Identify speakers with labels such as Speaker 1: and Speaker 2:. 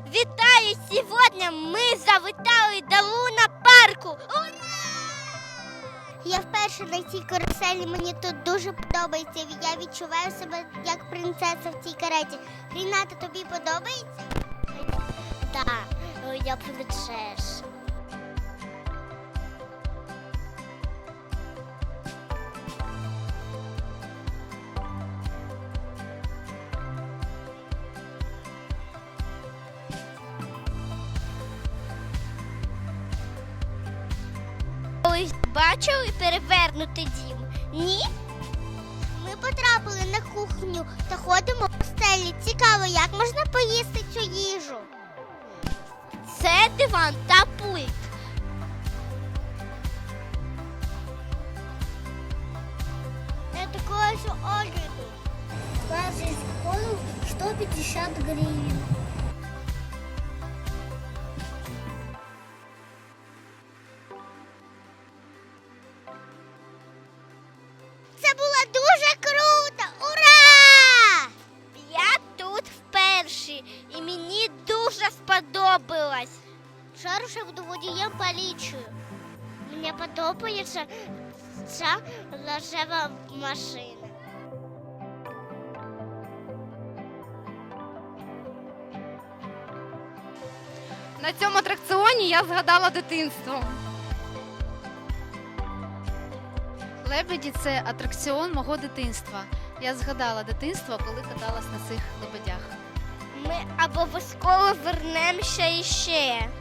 Speaker 1: Вітаю! Сьогодні ми завітали до луна-парку! Ура! Я вперше на цій каруселі, мені тут дуже подобається. Я відчуваю себе як принцеса в цій кареті. Ріната, тобі подобається? Так, я принцеса. Колись бачили перевернутий дім? Ні? Ми потрапили на кухню та ходимо по стелі. Цікаво, як можна поїсти цю їжу? Це диван та пульт. Я такое же огляду. Каждый колу 150 гривен. Це було дуже круто! Ура! Я тут вперше і мені дуже сподобалось. Шаруша буду водієм поліцію. Мені подобається ця рожева машина.
Speaker 2: На цьому атракціоні я згадала дитинство. Лебеді – це атракціон мого дитинства. Я згадала дитинство, коли каталась на цих лебедях.
Speaker 1: Ми обов'язково вернемося іще.